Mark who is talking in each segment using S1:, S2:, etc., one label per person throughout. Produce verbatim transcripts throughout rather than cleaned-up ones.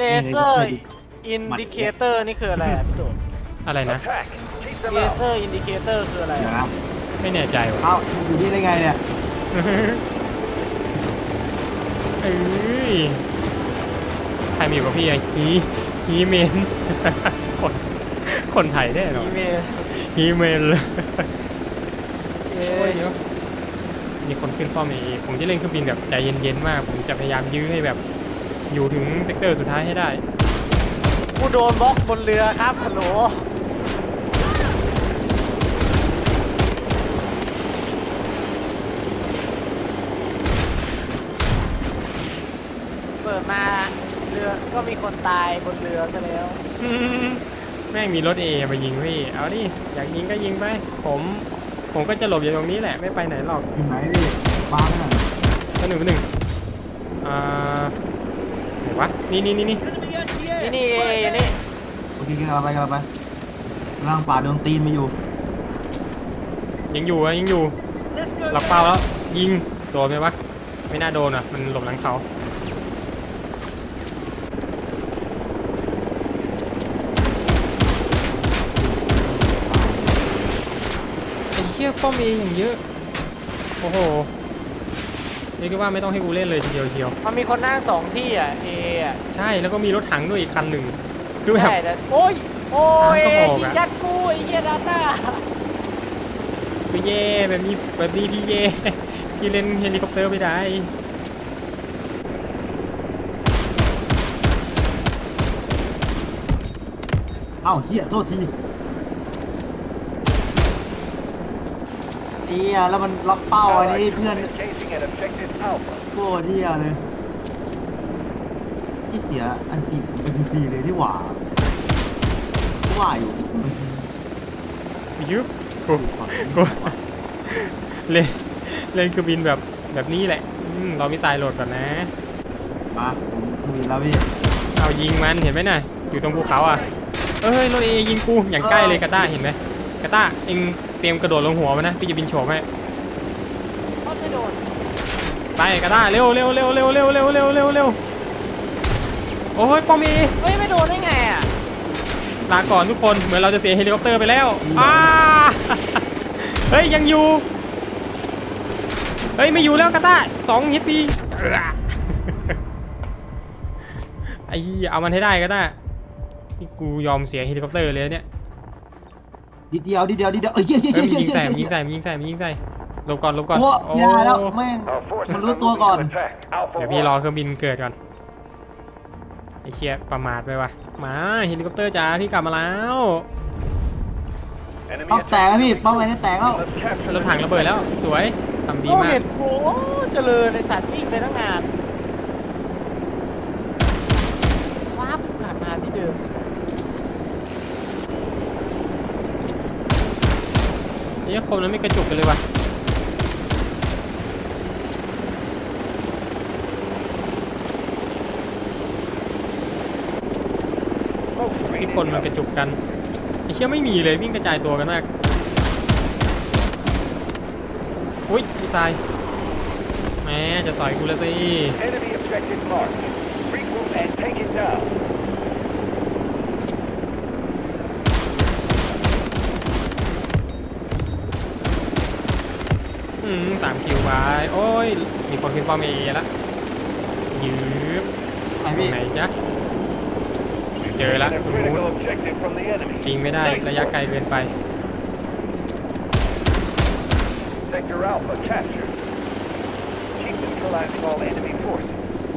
S1: เลเซอร์อินดิเคเตอร์นี่คืออะไรอ่ะพี่ตู่
S2: อะไรนะ
S1: เลเซอร์อินดิเคเตอร์คืออะไร
S3: เดี๋ยวนะ
S2: ไม่แน่ใจว่ะ
S3: เอ้าอยู่นี่ได้ไงเนี่ย
S2: เอ้ยใครมีอยู่กับพี่ไอ้ฮีฮีเมน คนคนไทยแน่นอน
S1: อีเมล
S2: ฮีเมนเลย
S1: เอ้ย
S2: มีคนขึ้นป้อมเองผมจะเล่นเครื่องบินแบบใจเย็นๆมากผมจะพยายามยื้อให้แบบอยู่ถึงเซกเตอร์สุดท้ายให้ได้
S1: กูโดนบล็อกบนเรือครับฮัลโหลเปิดมาเรือก็มีคนตายบนเรือซะแล้ว
S2: แม่งมีรถเอมายิงพี่เอาดิอยากยิงก็ยิงไปผมผมก็จะหลบอยู่ตรงนี้แหละไม่ไปไหนหรอก
S3: อยู่ไหนพี่บ้าไหมน่ะ
S2: ตัวหนึ่งตัวหนึ่งอ่าไหนวะนี่นี่นี่นี่
S1: นี่นี่เออยู่นี่
S3: โอเคกันเราไปกันเราไปร่างป่าโดนตีนมาอยู่
S2: ยังอยู่อะยังอยู่หลักเป้าแล้วยิงโดนไหมวะไม่น่าโดนอ่ะมันหลบหลังเขาไอ้เหี้ยป้อมเออย่างเยอะโอ้โหเรียกได้ว่าไม่ต้องให้กูเล่นเลยทีเดียวเชียว
S1: มันมีคนนั่งสองที่อ่ะเออ่ะ
S2: ใช่แล้วก็มีรถถังด้วยอีกคันหนึ่งคือแบบ
S1: ใช่แต่โอ้ยโอ้ย
S2: สามกระบอกอะ
S1: ยิงยัดกูไอ้เหี้ยดาต้า
S2: คือเย่แบบนี้แบบนี้พี่เย่พี่เล่นเฮลิคอปเตอร์ไม่ได้
S3: เอ้าเฮียโทษทีเอียแล้วมันล็อกเป้าอันนี้เพื่อนโคตรเฮียเลยที่เสียอันติดเป็นฟรีเลยนี่หว่าว่าอยู่
S2: ยุบกูกูเล่นเล่นคือบินแบบแบบนี้แหละอืมเรามีสายโหลดก่อนนะ
S3: มาผมคุยแล้วพี่
S2: เอายิงมันเห็นไหมน่ะอยู่ตรงภูเขาอ่ะเอ้ยรถเอยิงกูอย่างใกล้เลยกาต้าเห็นไหมกาต้าเอ็งเตรียมกระโดดลงหัวมันนะพี่จะบินโฉบให้
S1: เขาไม่โดน
S2: ไปกาต้าเร็วเร็วเร็วเร็วเร็วเร็วเร็วเร็วเร็วโอ้ยป้อมเอ
S1: เฮ้ยไม่โดนได้ไงอ่ะ
S2: ลาก่อนทุกคนเหมือนเราจะเสียเฮลิคอปเตอร์ไปแล้วอ้า เฮ้ยยังอยู่เฮ้ยไม่อยู่แล้วกาต้าสองฮิตปีไอ้เอามันให้ได้กาต้านี่กูยอมเสียเฮลิคอปเตอร์เลยเนี่ย
S3: ดิเดียวดิเดียวดิเดียวเอ้ยเฮียเฮีย
S2: เฮ้ย
S3: เฮี
S2: มัน
S3: ย
S2: ยิง
S3: เฮีย
S2: ใส่
S3: เฮี
S2: มันยิ
S3: ย
S2: งใส่มันยิงใส่มันยิงใส่หลบก่อนหลบก่อน
S3: โอ้
S2: โอ้
S3: ยาแล้วแม่งมันรู้ตัวก่อน
S2: เดี๋ยวพี่รอเครื่องบินเกิดก่อนไอ้เชี่ยประมาทไปว่ะมาเฮลิคอปเตอร์จ้าพี่กลับมาแล้ว
S3: เป้าแตกแล้วพี่เป้าไงเนี่ยแตกแล้ว
S2: รถถังระเบิดแล้วสวยทำดี
S1: โอ้
S2: มา
S1: เน็
S2: ก
S1: ตกูโอ้เจริญในสัตว์วิ่งไปตั้งนานว้าบกลับมาที่เดิมไอ้สัตว์
S2: นี่คมนั้นไม่กระจุกกันเลยว่ะที่คนมันกระจุกกันไอ้เชี่ยไม่มีเลยวิ่งกระจายตัวกันมากอุ้ยพี่ชายแหมจะสอยกูแล้วสิอืมสามคิวไปโอ้ยมีคนขึ้นป้อมเอแล้วยืบ
S3: ไหน
S2: ตร
S3: พี่
S2: งไหนจ๊ะเจอแล้วตรงนู้นจริงไม่ได้ระยะไกลเกินไป
S4: Sector Alpha captured. Keep neutralizing all enemy forces.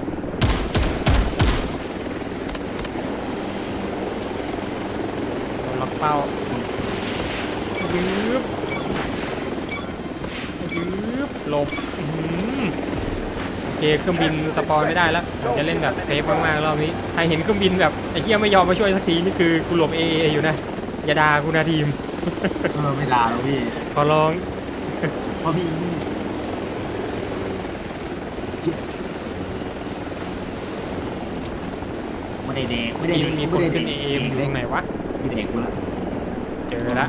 S2: โดนล็อกเป้ายืบยืบหลบอื้อหือโอเคเครื่องบินสปอยไม่ได้แล้วผมจะเล่นแบบเซฟมากๆรอบนี้ใครเห็นเครื่องบินแบบไอ้เหี้ยไม่ยอมมาช่วยสักทีนี่คือกูหลบเอเออยู่นะอย่าด่ากูนะทีม
S3: เออไม่ลาแล้วพี่
S2: ขอร้อง
S3: เพราะพี่ไม่ได้เด็กไม่ได้
S2: มี
S3: เด็ก
S2: มีค
S3: ไม่
S2: น
S3: ได้
S2: ขึ้
S3: เด็
S2: น
S3: ก
S2: เอเอตรงไหนวะ
S3: มีเด็กกูละ
S2: เจอแล้ว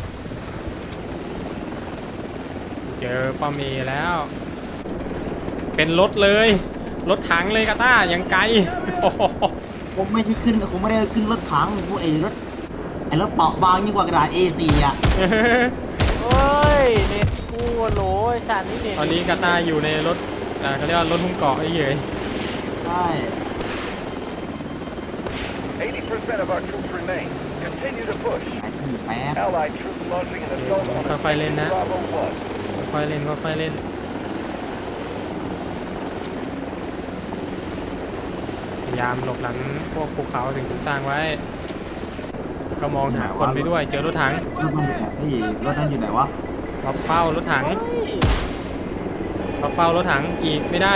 S2: เจอป้อมเอแล้วเป็นรถเลยรถถังเลยกาต้ายังไกลโอ้โห
S3: ผมไม่ใช่ขึ้นผมไม่ได้ขึ้นรถถังผมไอ้รถไอ้รถเปราะบางยิ่งกว่ากระดาษ เอ โฟร์ อ่ะ
S1: เฮ้ยเน็ตกูโหลไอ้สัตว์นี่เน็ต
S2: ตอนนี้กาต้าอยู่ในรถอ่าเขาเรียกว่ารถหุ้มเกาะไอ้เหี้ย
S3: ใช่
S4: eighty percent of our troops remain. Continue to push.
S3: ไอ้ที่แป๊บ
S4: Allied troops launching an assault on objective Bravo one.
S2: ค่อยๆเล่นค่อยๆเล่นพยายามหลบหลังพวกภูเขาถึงสร้างไว้ ก็มองหาคนไปด้วยเจอรถถัง
S3: รถมันอยู่ไหนพี่รถนั้นอยู่ไหนวะ
S2: ล็อกเป้ารถถังล็อกเป้ารถถังอีกไม่ได้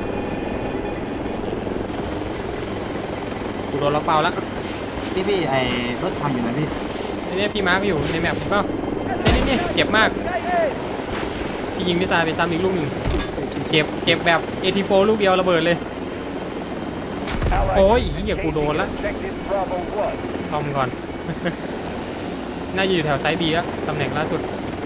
S2: กูโดนล็อกเป้าแล้ว
S3: พี่พี่ไอ้รถถังอยู่ไหนพี่
S2: นี่เนี่ยพี่มาร์คอยู่ในแมปเห็นเปล่านี่นี่นี่เจ็บมากพี่ยิงพิซซ่าไปซ้ำอีกลูกหนึ่งเจ็บเจ็บแบบ เอ ที โฟร์ ลูกเดียวระเบิดเลย
S4: Allied
S2: โอ้ย
S4: troops
S2: เหี้ยกูโดนละ
S4: objective Bravo one.
S2: ซ่อมก่อน น่าจะอยู่แถวไซด์บีแล้วตำแหน่งล่าสุด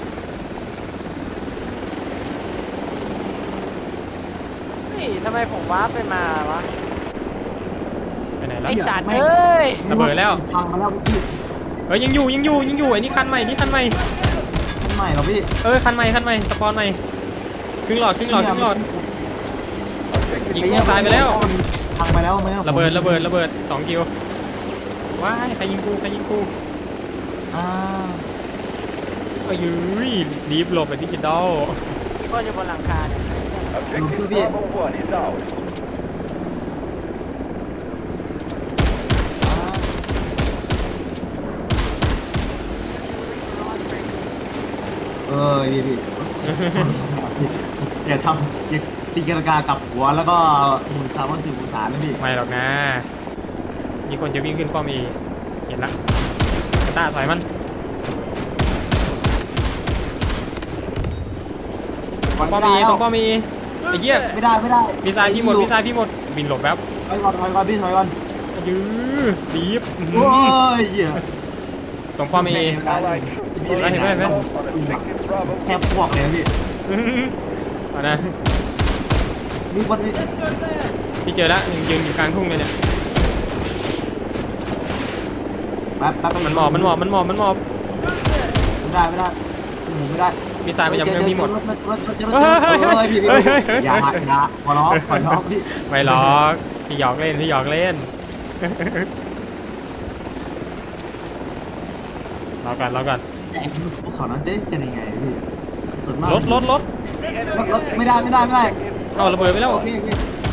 S1: เฮ้ยทำไมผมว้าร์ปไปมาวะ
S2: ไปไหนแล้ว
S1: ไอสัตว์เอ้ย
S2: ระเบิดแล้ว
S3: พังมาแล้วพี่
S2: เฮ้ยยังอยู่ยังอยู่ยังอยู่ไอ้นี่คันใหม่นี่คันใหม่
S3: ทำไมเหรอพี่
S2: เออคันใหม่คันใหม่สปอนใหม่ครึ่งหลอดครึ่งหลอดครึ่งหลอดยิงพวกซ้ายไปแล้ว
S3: พังไปแล้วไหมคบ
S2: ระเบิดระเบิดระเบิดสองกิโลว้ายใครยิงกูใครยิงกู
S3: อ่า
S2: เอ้ยรีบหลบแบบดิจิตอล
S1: มีคนอยู่บนหลังคาเนี่ย
S4: Objective Bravo one is ours.
S3: เออพี่พี่อย่าทำอย่าตีกระกากับหัวแล้วก็หมุนสามวันสี่หมุนสามนะพี่
S2: ไม่หรอกนะ มีคนจะวิ่งขึ้นป้อมเอเห็นละกระต้าสอยมันป้อมเอตรงป้อมเอไอ้เหี้ย
S3: ไม่ได้ไม่ได้
S2: พี่ซายพี่หมดพี่ซายพี่หมดบินหลบแป๊บ
S3: ถอยก่อนถอยก่อนพี่ถอยก่อน
S2: ยื้อรีบอื้อหื
S3: โอ้
S2: อย
S3: เหี้ย
S2: ตรงป้อมเอ
S4: Allied troops
S2: Hey, hey, hey.
S4: on objective Bravo
S3: แค่พวกเลยพี่
S2: อื้อหือเอานะ
S3: มีคนนี้
S2: พี่เจอแล้วยืนอยู่กลางทุ่งเลยเนี่ย
S3: แป๊บแป๊บ
S2: มันหมอบมันหมอบมันหมอบมันหมอบ
S3: ไม่ได้ไม่ได้หมุนไม่ได้
S2: พี่ซายไปจำเครื่องพี่หมด
S3: เฮ้ยเฮ้ยเฮ้ยพี่พี่อย่าอย่าขอร้องขอร้องพี่
S2: ไม่หรอกพี่หยอกเล่นพี่หยอกเล่น รอก่อนรอก่อน
S3: แต่พวกเขานั้นเต้นกันยังไงพี่ส่วนมาก
S2: รถรถรถ
S3: รถรถไม่ได้ไม่ได้ไม่ได้
S2: เอาระเบิดไปแล้ว
S3: โอเคโอเค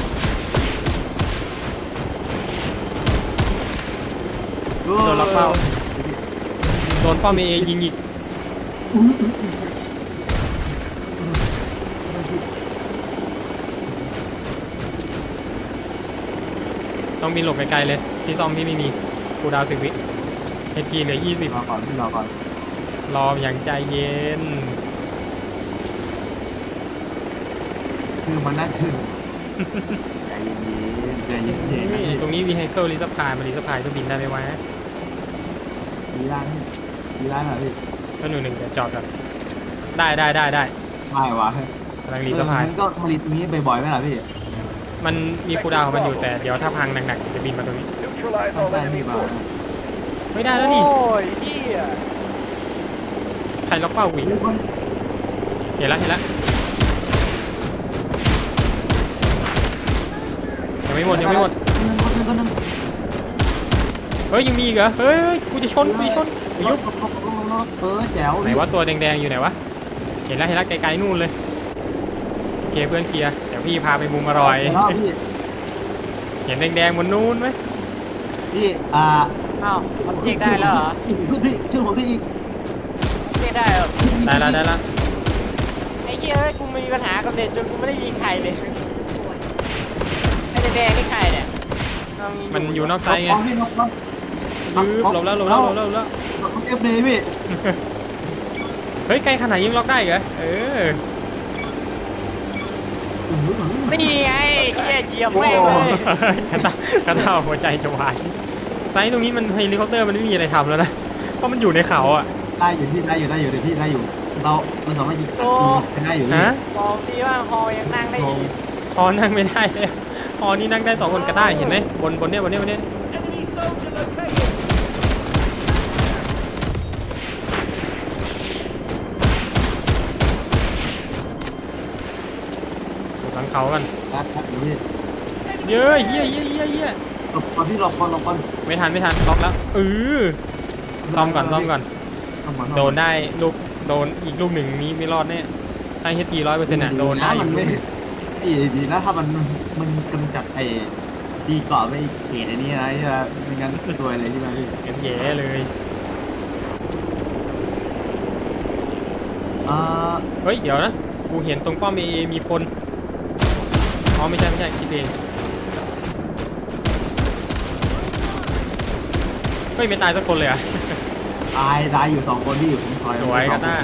S2: โดนล็อกเป้าโดนป้อมเอยิงอีกต้องบินหลบไกลๆเลยที่ซ่อมพี่ไม่มีกูดาวสิบวิเอพีเหลือยี่สิบ
S3: รอก่อนพี่รอก่อน
S2: รออย่างใจเย็น
S3: คือมันน่าถึงใจเย็นๆใจเย็นๆนะ
S2: นี่ตรงนี้วีไฮเคิลรีสพายมารีสพายก็บินได้ไหมวะ
S3: มีร้านมีร้านเหรอพี่
S2: ก็หนึ่งหนึ่งเดี๋ยวจอดก่อนได้ได้ได้ได้
S3: ไม่วะ
S2: กำลังรีสพาย
S3: มันก็ผลิตตรงนี้บ่อยๆไหมล่ะพี่
S2: มันมีคูลดาวน์ของมันอยู่แต่เดี๋ยวถ้าพังหนักๆจะบินมาตรงนี้
S4: neutralize
S3: ต้อง
S4: all
S3: ได้
S4: enemy
S3: พี่มา
S4: forces.
S2: ไม่ได้แล้วนี่
S1: โอ้ยเฮีย
S2: ใครล็อกเป้าหวีเห็นแล้วเห็นแล้วยังไม่หมดยังไม่หมด
S3: คนหนึ่งคนหนึ่ง
S2: เฮ้ยยังมีอีกเหรอเฮ้ยเฮ้ยกูจะชนกูจะชนอย่ายุบ
S3: เออแจ๋ว
S2: ไหนว่าตัวแดงๆอยู่ไหนวะเห็นแล้วเห็นแล้วไกลๆนู่นเลยโอเคเพื่อนเคลียร์เดี๋ยวพี่พาไปมุมอร่อย
S3: พี่
S2: เห็นแดงๆบนนู้นไหม
S3: พี่อ่า
S1: อ้าวมันเจ๊กได้แล้วเหรอ
S3: ขึ้นพี่ขึ้นหัวขึ้นอีก
S1: เจ๊กได้เหรอ
S2: ได้แล้วได้แล้ว
S1: ไอ้เหี้ยเอ้ยกูมีปัญหากับเน็ตจนกูไม่ได้ยิงใครเลยไอ้แดงๆนี่ใครเนี่ยเอายิง
S2: มันอยู่นอกไซต์ไง
S3: พี่นกนก
S2: ยืบหลบแล้วหลบแล้วหลบแล้วหลบแล้ว
S3: เอฟเลยพี่
S2: เฮ้ยไกลขนาดยิงล็อกได้เหรอเออ
S1: นี่ไงเหี้ยเหยียบแม่งเลย
S2: กระตากระตาหัวใจจะวายไซต์ตรงนี้มันเฮลิคอปเตอร์มันไม่มีอะไรทำแล้วนะเพราะมันอยู่ในเขาอ่ะ
S3: ได้อยู่พี่ได้อยู่ได้อยู่เดี๋ยวพี่ได้อยู่เราเราสามารถยิงได้อยู่
S2: ฮะ
S1: บอกดีว่าฮอยังนั่งได้อีก
S2: ฮอนั่งไม่ได้เลยฮอนี่นั่งได้สองคนก็ได้เห็นไหมบนบนเนี้ยบนเนี้ยบนเนี้ย
S5: Enemy soldier located.
S2: หลังเขากัน
S3: ครับครับพี่
S2: เย้ยเฮียเฮียเฮียเฮีย
S3: หลบก่อนพี่หลบก่อนหลบก่อน
S2: ไม่ทันไม่ทันล็อกแล้วเออซ่อมก่อนซ่อมก่อน
S3: เข้ามา
S2: โดนได้ลูกโดนอีกลูกหนึ่งนี้ไม่รอดแน่ถ้าเฮดปีร้อยเปอร์เซ็นต์อ่ะโดนได้อ
S3: มั
S2: ยู่
S3: นไม่ดีดีนะถ้ามันมันกำจัดไอ้ตีเกาะไปเขตไอ้นี่นะที่ว่าไม่งั้นซวยเลยใช่ไหมพี่
S2: กันแย่เลย
S3: อ่า
S2: เฮ้ยเดี๋ยวนะกูเห็นตรงป้อมเอมีคนอ๋อไม่ใช่ไม่ใช่คิดเองเฮ้ยไม่ตายสักคนเลยอ่ะ
S3: ตายตายอยู่สองคนที่อยู่ผมซอย
S2: สวยกาต้า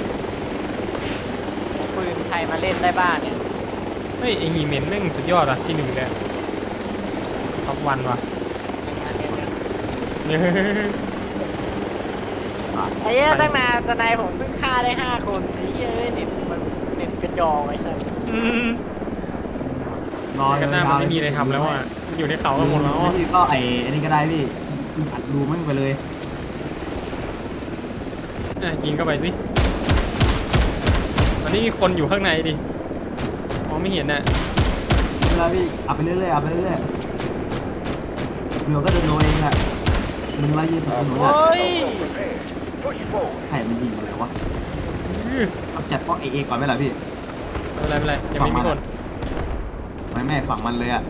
S1: ปืนใครมาเล่นได้บ้างเนี่ย
S2: เฮ้ยไอฮีเมนแม่งสุดยอดอ่ะที่หนึ่งเลยท็อปวันว่ะ
S1: ไอ้เหี้ยตั้งนานสไนผมเพิ่งฆ่าได้ห้าคนไอ้เหี้ยเน็ตมันเน็ตกระจอกไอ้สัส
S2: อืม
S3: รอก
S2: าต้ามันไม่มีอะไรทำแล้วอ่ะอยู่ในเขากันหมดแล้ว
S3: พี่ก็ไอ้อันนี้ก็ได้พี่อัดรูไม่ไปเลย
S2: อ่ะยิงเข้าไปสิมันนี่มีคนอยู่ข้างในดิมองไม่เห็นน่ะ
S3: เวลาพี่อัดไปเรื่อยๆอัดไปเรื่อยๆเดี๋ยวก็เดินโดนเองแหละมึงไล่ยืนสับสนุน
S1: โอ้
S3: อ่ะ
S1: ย
S4: Prepare. Push forward.
S3: ใครมันยิงอะไรวะ
S2: อื้อ
S3: เอาจัดป้องเอเอก่อนไหมล่ะพี่
S2: ไม่เป็นไรไม่เป็นไรยังไม่มีคน
S3: ไม่แม่ฝั่งมันเลยอ่ะ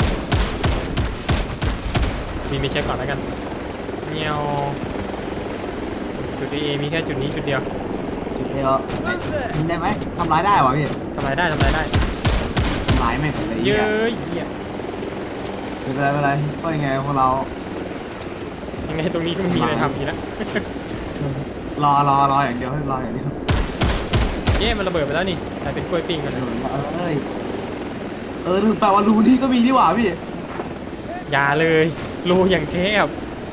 S2: มีมีเช็คก่อนแล้วกันเงียวจุดเอมีแค่จุดนี้จุดเดียว
S3: จุดเดียวยิงได้ไหมทำร้ายได้วะพี่
S2: ทำลายได้ทำลายได้
S3: ทำร้ายแม่งเลย
S2: เย้
S3: เนี่ย
S2: ยเหี้ย
S3: ไม่เป็นไรไม่เป็นไรก็ยังไงพวกเรา
S2: ยังไงตรงนี้ก็ไม่มีอะไรทำอีกแล้ว
S3: รอรอรออย่างเดียวให้รออย่างเดียว
S2: เย้มันระเบิดไปแล้วนี่แต่เป็นกล้วยปิ้งกันนะ
S3: เอ้ยเออลืมไปว่ารูนี่ก็มีนี่หว่าพี่
S2: อย่าเลยรูอย่างแคบ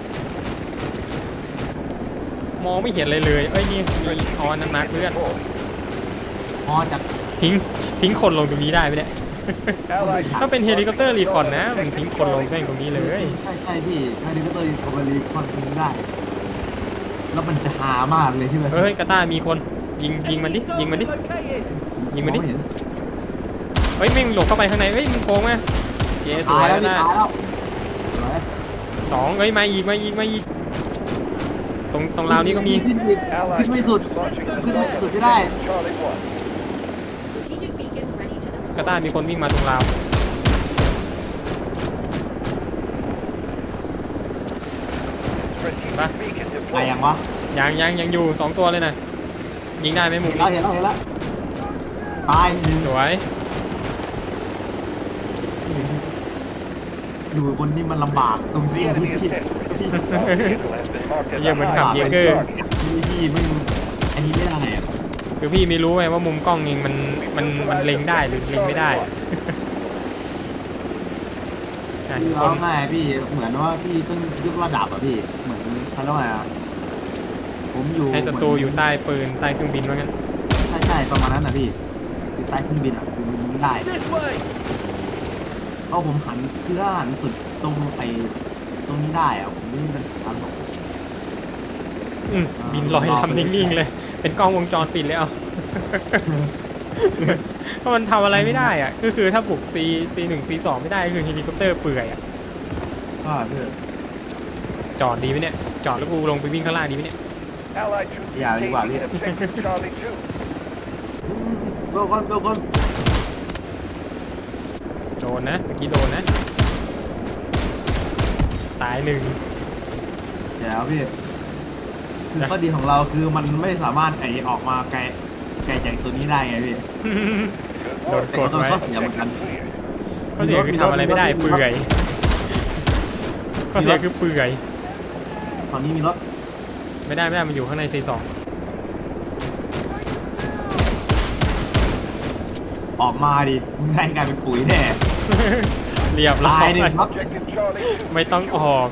S2: มองไม่เห็นอะไรเลยเอ้ยนี่มีออนนันมาร์คเพื่อน
S3: พอจัด
S2: ทิ้งทิ้งคนลงตรงนี้ได้ไหมเนี่ย
S4: Allied
S2: ถ้าเป็นเฮลิคอปเตอร์รีคอนนะมันทิ้งคนลงแม่งตรงนี้เลย
S3: ใช่ใช่พี่ถ้าดีก็ตัวคอมเบอรีคอนทิ้งได้ แล้วมันจะหามากเลยที่มัน
S2: เฮ้ยกาต้ามีคนยิงยิงมันดิ
S5: Enemy
S2: ยิงมันดิ
S5: soldier located.
S2: ยิงมันดิ
S3: ไเห็น
S2: เฮ้ยแม่งหลบเข้าไปข้างในเฮ้ยมันโกงมาเย้ส
S3: ตา
S2: วย ย
S3: แล้ว
S2: แล้ว
S3: พี่
S2: นะ
S3: ตายแล้วสวย
S2: สองเฮ้ยมาอีกมาอีกมาอีกตรงตรงราวนี้ก็มี
S3: ขึ้นอีกขึ้นไม่สุด
S4: launching
S3: ขึ้นไม่
S4: assault
S3: สุดไม่ได้
S4: Charlie one.
S6: Strategic beacon ready to deploy.
S2: กาต้ามีคนวิ่งมาตรงราว
S4: Strategic beacon
S3: ตาย
S4: deployed.
S3: ยังวะ
S2: ยังยังยังอยู่สองตัวเลยนะยิงได้ไหมมุม
S3: เรา
S2: นี้
S3: เห็นแล้วเห็นแล้วตายหนึ่ง
S2: สวย
S3: อยู่บนนี่มันลำบากตรง
S4: The
S3: ที่
S4: enemy
S3: พี่
S4: is
S3: พี่
S4: sentry. Our vehicle has been marked as a
S2: ยังเหมือนขับ
S4: high
S2: เยเกอร์
S3: พี่พี่ไม่อันนี้ไม่ได้อะ
S2: คือพี่ไม่รู้ไงว่ามุมกล้องเองมันมันมันเล็งได้หรือเล็งไม่ได้อ่ะ
S3: พี่
S2: ค
S3: ร้อน งไห้พี่เหมือนว่าพี่ต้องยกระดับอ่ะพี่เหมือนเขาเรียกว่าอะไรอะผมอยู่
S2: ให้ศัตรูอยู่ใต้ปืนใต้เครื่องบินว่างั้น
S3: ใช่ใช่ประมาณนั้นนะพี่อยู่ใต้เครื่องบินอ่ะคือมันยิงได้
S5: This way.
S3: เพราะผมหันคือถ้าหันสุดตรงไปตรงนี้ได้อ่ะผมไม่มีปัญหาหรอก
S2: อืมบินลอยทำนิ่งๆเลย เป็นกล้องวงจรปิดเลยเอา เพราะมันทำอะไรไม่ได้อ่ะก็คือถ้าบุก C C หนึ่ง C สองไม่ได้ก็คือเฮลิคอปเตอร์เปื่อยอ่ะ
S3: ก็เพื่อ
S2: จอดดีไหมเนี่ยจอดแล้วกูลงไปวิ่งข้างล่างดีไหมเนี่ย
S4: Allied troops
S3: Yeah, you are,
S4: taking
S3: yeah.
S4: in objective Charlie two.
S3: โดนก่อนโดนก่อน
S2: โดนนะเมื่อกี้โดนนะตายหนึ่ง
S3: เดี๋ยวพี่คือข้อดีของเราคือมันไม่สามารถไอออกมาไกลไกลจากตัวนี้ได้ไงพี่
S2: โดนกดไว้
S3: ข้อเสียเหมือนกัน
S2: ข้อเสียคือทำอะไรไม่ได้เปื่อยข้อเสียคือเปื่อย
S3: ตอนนี้มีรถ
S2: ไม่ได้ไม่ได้มันอยู่ข้างใน C สอง
S3: ออกมาดิมึงได้กลายเป็นปุ๋ยแน่
S2: เรียบร้อ
S3: ตาย ยหนึ่งครับ
S4: Objective Charlie two.
S2: ไม่ต้องออก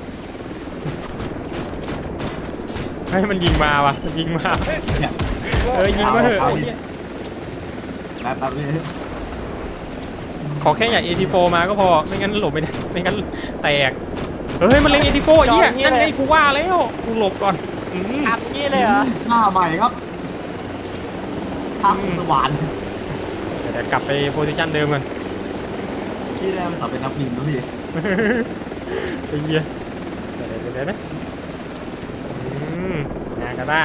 S2: ให้ยมันยิงมาว่ะมันยิงมา
S3: เนี่ย
S2: เออยิงมาเถอะ
S3: เอา
S2: ไอ้
S3: ดิ
S2: เหี้ย
S3: แป๊บแป๊บเลย
S2: ขอแค่อย่า เอ ที โฟร์ มาก็พอไม่งั้นหลบไม่ได้ไม่งั้นแตกเฮ้ยมันเล็ง เอ ที โฟร์ ไอ้เหี้ยนั่นไงกูว่าแล้วกูหลบก่อนอืม
S1: ทำงี้เลยเหรอ
S3: หน้าใหม่ครับทางสว่าน
S2: เดี๋ยวกลับไปโพซิชันเดิมกัน
S3: พี่ได้มาสอบเป็นนักบินนะพี่
S2: ไอ้เหี้ยเดี๋ยวเดี๋ยวเดี๋ยวนะอืมงานกันได้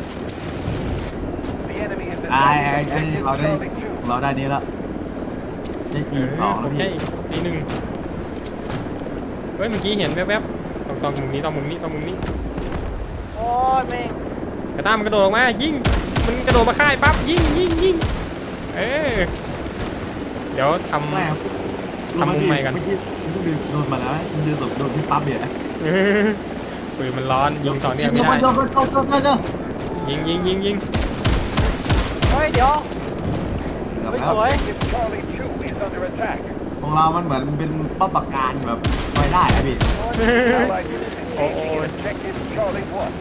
S4: The enemy is
S3: ไอ้ไอ้
S4: attacking
S3: ไอ้
S4: objective
S3: เราได้
S4: Charlie two.
S3: เราได้นี้แล้วได้สี่สอง
S2: โอ
S3: แล้ว
S2: เค
S3: พี่
S2: สี่หนึ่งเฮ้ยเมื่อกี้เห็นแวบๆตรงตรงมุมนี้ตรงมุมนี้ตรงมุมนี้
S1: โอ้ยแม่ง
S2: กระต้ามันกระโดดออกมายิงมันกระโดดมาค่ายปั๊บยิงยิงยิงเออเดี๋ยวทำ
S3: แม่
S2: ทำมุมใหม่กัน
S3: เมื่อกี้มันเดินโดนมาแล้วมันเดินโดนโดนที่ปั๊บเนี่ย
S2: เออปืนมันร้อนยิงต่อเนื่องไม่ได้
S3: โดนโดนโดนโดนโดนโดน
S2: ยิงยิงยิงยิง
S1: เฮ้ยเดี๋ยว
S3: เกือบ
S1: ไม่
S3: แล้ว
S1: สวย
S4: Objective Charlie two is under attack.
S3: ของเรามันเหมือนเป็นป้อมปราการแบบไว้ได้อะพี่
S4: Allied units
S2: Oh,
S4: engaging
S2: oh.
S4: in objective Charlie one.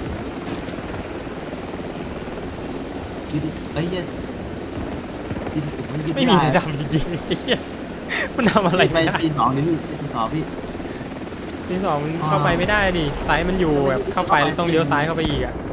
S3: คิดดิเอ้ยเหี้ยคิดดิผมคิด
S2: ไม่มี
S3: ด้
S2: อะไรดำจริงๆไอ้เหี้ยมันทำอะไร
S3: ไป
S2: ไม่ได้
S3: ทีสองนี่พี่ทีสองพี่
S2: ทีสองมันเข้าไปไม่ได้ดิไซส์มันอยู่แบบเข้าไปแล้วต้องเลี้ยวซ้ายเข้าไปอีกอ่ะ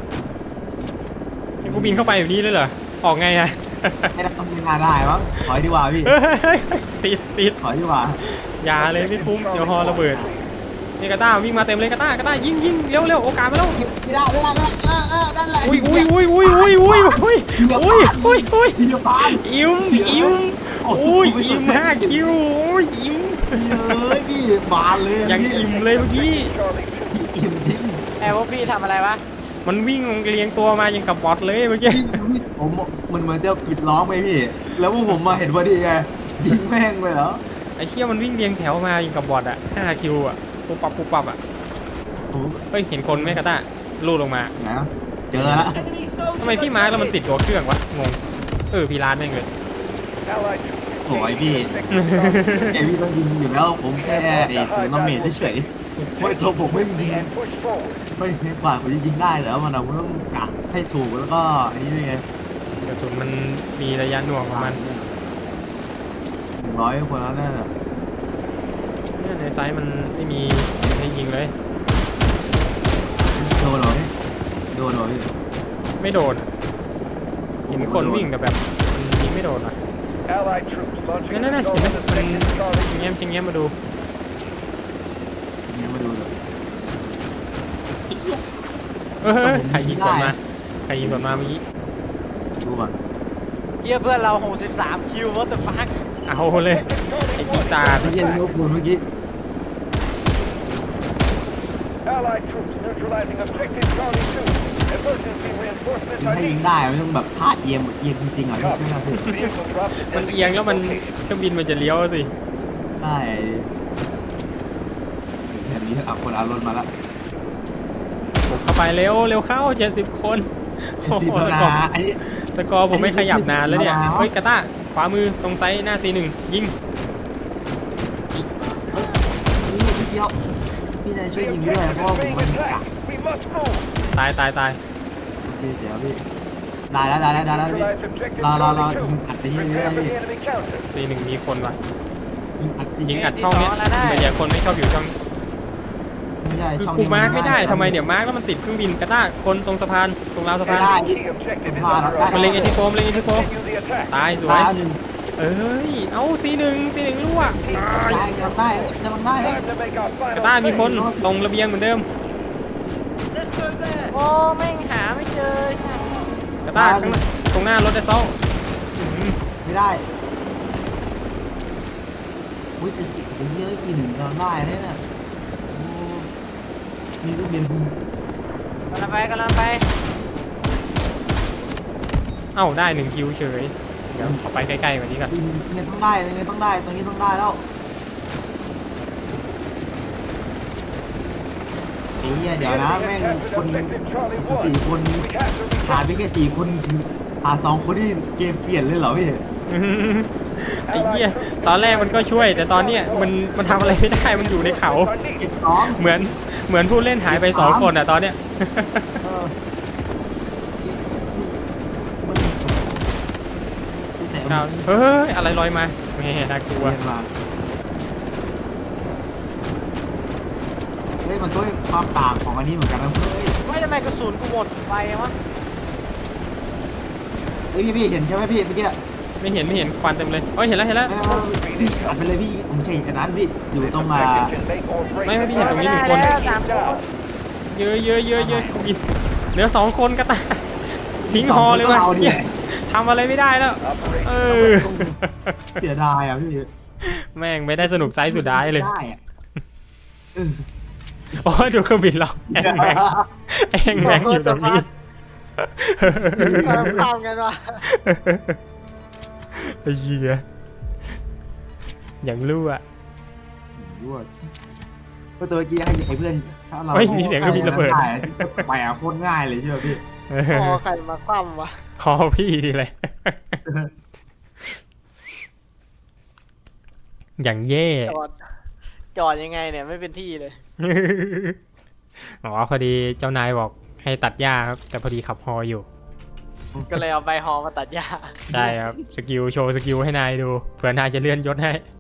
S2: ให้กูบินเข้าไปแบบนี้เลยเหรอออกไงอ่ะ
S3: ไม่ได้ต้องมีงานได้มั้งถอยดีกว่าพี่
S2: เฮ้ยเฮ้ยเฮ้ยติดติด
S3: ถอยดีกว่า
S2: อย่าเลยไม่คุ้มเดี๋ยวฮอระเบิดนี่กระต้าวิ่งมาเต็มเลยกระต้ากระต้ายิงยิงเร็วเร็วโอกาสมาแล้ว
S3: ไม่ได้ไม่ได้ไม่ได้เออเออนั่นแหละ
S2: อุ้ยอุ้ยอุ้ยอุ้ยอุ้ยอุ้ยอุ้ยอุ้ยอุ้ยอุ้ย
S3: ทีเดียวผ่าน
S2: อิ่มอิ่มอุ้ยอิ่มห้าคิวโอ้ยอิ่ม
S3: เฮ้ยพี่บานเลย
S2: ยังอิ่มเลยเมื่อกี้
S4: Charlie two.
S3: อิ่มจริง
S1: ไอ้พวกพี่ทำอะไรวะ
S2: มันวิ่งเรียงตัวมายังกับบอทเลยเมื่อกี้
S3: พี่พี่ผมมันเหมือนจะปิดล้อมไปพี่ แล้วพวกผมมาเห็นพอดีไงยิงแม่งเลยเหรอ
S2: ไอ้เชี่ยมันวิ่งเรียงแถวมายังกับบอทอ่ะห้าคิวอ่ะปุ๊บปั๊บปุ๊บปั๊บอ่ะ
S3: ผม
S2: เฮ้ยเห็นคนไหมกระต้าลูดลงมา
S3: นะเจอแล้ว
S5: Enemy soldier
S2: ทำไมพี่มาร์คแล้วมันติดตัวเครื่องวะงงเออพี่ร้านแม่งเลย
S4: Allied troops
S3: โอ้ย
S4: engaging
S3: พี่
S4: in objective Charlie
S3: ไอพี่ต้องยิงอยู่แล้วผมแค่ไอ้ตัวน้ำเมทเฉยๆไม่ตัวผมไม่ยิง
S4: and push forward.
S3: ไม่ไม่กว่าผมจะยิงได้เหรอมันเราต้องกักให้ถูกแล้วก็อันนี้ด้วยไง
S2: กระสุนมันมีระยะหน่วงของมัน
S3: หนึ่งร้อยคนแล้วเนี่ย
S2: เนี่ยในไซส์มันไม่มีให้ยิงเลย
S3: โดนเหรอพี่โดนเหรอพี่
S2: ไม่โดนเห็นคนวิ่งแต่แบบมันยิงไม่โดนอ่ะ
S4: Allied troops launching
S2: นั่น
S4: an
S2: นั่นเห็น
S4: assault
S2: ไหม
S4: on
S2: มัน
S4: objective Charlie
S2: ชิง
S4: two.
S2: แง้มชิงแง้มมาดู
S3: เนี่ยมาดูเลย
S2: เออใครยิงสวนมาใครยิงสวนมาเมื่อกี้
S3: ดูก่อน
S1: เยี่ยเพื่อนเราหกสิบสามคิว what the fuck
S2: เอาเลยไอ้ปีศาจ
S3: ที่เย็นลูกคุณเมื่อกี้
S4: Allied troops neutralizing objective Charlie two. Emergency reinforcements
S3: ถ้า
S4: are
S3: ยิง
S4: needed.
S3: ได้มันต้องแบบท่าเอียงเอียงจริงๆอ่ะพี่ใช่ไหมพี่
S4: Vehicle dropped at
S2: มันเอียงแล้วมัน
S4: location.
S2: เครื่องบินมันจะเลี้ยวสิ
S3: ใช่แบบนี้เอาคนเอารถมาละ
S2: ผมเข้าไปเร็วเร็วเข้าเจ็ดสิบคนโอ้
S3: ติด
S2: โห
S3: แล้ว
S2: สกอ
S3: นะ
S2: ร์
S3: อันนี้
S2: สกอร์ผมไม่ขยับนานแล้วเนี่ย
S3: แล้ว
S2: เฮ้ยกาต้าขวามือตรงไซส์หน้า ซี หนึ่งยิง
S3: นี่นิดเดียวพี่นายช่วย
S4: The
S3: ยิงด้วยเพราะ
S4: objective
S3: ว่า
S4: is
S3: ผม
S4: being
S3: มันกัก
S4: attacked. We must move.
S2: ตายตายตาย
S3: โอเคเดี๋ยวพี่ได้แล้วได้แล้วได้แล้วพี่
S4: Neutralize objective
S3: รอรอรอ
S4: Charlie
S3: ยิงอัดไป
S4: two.
S3: เรื่อย
S4: Prepare
S3: ๆ
S4: for
S3: พี่
S4: the enemy counter.
S2: ซี หนึ่งมีคนวะ
S3: ยิงอัดจริง
S2: ยิงอัดช่องเนี้ยแต่อย่าคนไม่ชอบอยู่ช่อง
S3: ไม่ได้
S2: คือ
S3: ช่อง
S2: กู
S3: นี้
S2: มาร์กไม่ได้ทำไมเดี๋ยวมาร์กแล้วมันติดเครื่องบินกาต้าคนตรงสะพานตรงราวสะพาน
S3: ได้
S4: Key objective is
S3: Come on,
S4: under
S3: that's
S2: มันเล็ง
S4: attack.
S2: เอทีโฟมเล็งเอทีโฟ
S4: Continue the attack.
S2: ตายสว
S3: ตาย ยหนึ่ง
S2: เอ้ยเอา ซี หนึ่ง ซี หนึ่งรั่ว
S3: ได้ยังได้ยังได้
S4: Time to make our
S2: กา
S4: final
S2: ต้ามีคน
S4: save.
S2: ตรงระเบียงเหมือนเดิม
S5: Let's go there.
S1: โอ้แม่งหาไม่เจอไอ้สัส
S2: กาต้าข้างหน้าตรงหน้ารถไดซอล
S3: ไม่ได้อุ้ยแต่สิผมเยอะสี่หนึ่งยังได้เนี่ยนะโอ้มีลูกบิน
S1: กำลังไปกำลังไป
S2: เอ้าได้หนึ่งคิวเฉยเดี๋ยวขอไปใกล้ๆกว่านี้ก่อน
S3: ยังไงต้องได้ยังไงต้องได้ตรงนี้ต้องได้แล้วไอ้เนี่ยเดี๋ยวนะแม่งคนสี่คน
S4: We have to
S3: หาไปแค่สี่คนหาสองคนที่เกมเปลี่ยนเลยเหรอพี่
S2: ไอ้เหี้ยตอนแรกมันก็ช่วย แต่ตอนเนี้ยมันมันทำอะไรไม่ได้มันอยู่ในเขา
S4: are needed.
S3: สอง
S2: เหมือนเหมือนผู้เล่นหายไปสองคนอ่ะตอนเนี้ย
S3: เออแต่
S2: ครับเฮ้ยอะไรลอยมาแม่น่ากลัว
S3: เรียนมาเฮ้ยมันก็ความต่างของอันนี้เหมือนกันนะเฮ้ย
S1: ไม่ทำไมกระสุนกูหมดไปวะ
S3: เฮ้ยพี่พี่เห็นใช่ไหมพี่เมื่อกี้
S2: ไม่เห็นไม่เห็นควันเต็มเลยเอ้ยเห็นแล้วเห็นแล้ว
S3: พี่อัดไปเลยพี่ผมใช่อันนั้นพี่อยู่ตรงอ่า
S4: Objective can make or break
S2: ไม่ไม่พี่เห็นตรงนี้หนึ่งคน
S1: ไม่ได้แล้วสามคน
S2: เยอะเยอะเยอะเยอะบินเหลือสองคนก็ตายทิ้งฮอเลยว่ะ
S3: เอาดิ
S2: เหี้ยทำอะไรไม่ได้แล้ว เออ
S3: เสียดายอ่ะพี่
S2: แม่งไม่ได้สนุกไซส์สุดท้ายเลย
S3: ได้อะเออ
S2: โอ้ยดูเครื่องบินเราแองแมงแองแมงอยู่ตรงนี้
S1: ทำกันวะ
S2: ไอ้เหี้ยอย่างรู้อ่ะ
S3: รู้ว่าก็ตัวเมื่อกี้ให้ไอ้เพื่อนถ้าเรา
S2: เฮ้ยมีเสียงเครื่องบินระเบิด
S3: ได้ไปอ่ะโคตรง่ายเลยใช่ไหมพี่
S1: พอใครมาคว่ำวะ
S2: คอพี่ทีเลย อย่างเย่
S1: จอดจอดยังไงเนี่ยไม่เป็นที่เลย
S2: อ๋อพอดีเจ้านายบอกให้ตัดหญ้าครับ แต่พอดีขับฮออยู่
S1: ก็เลยเอาใบฮอมาตัดหญ้า
S2: ได้ครับ สกิลโชว์สกิลให้นายดู เผื่อนายจะเลื่อนยศให้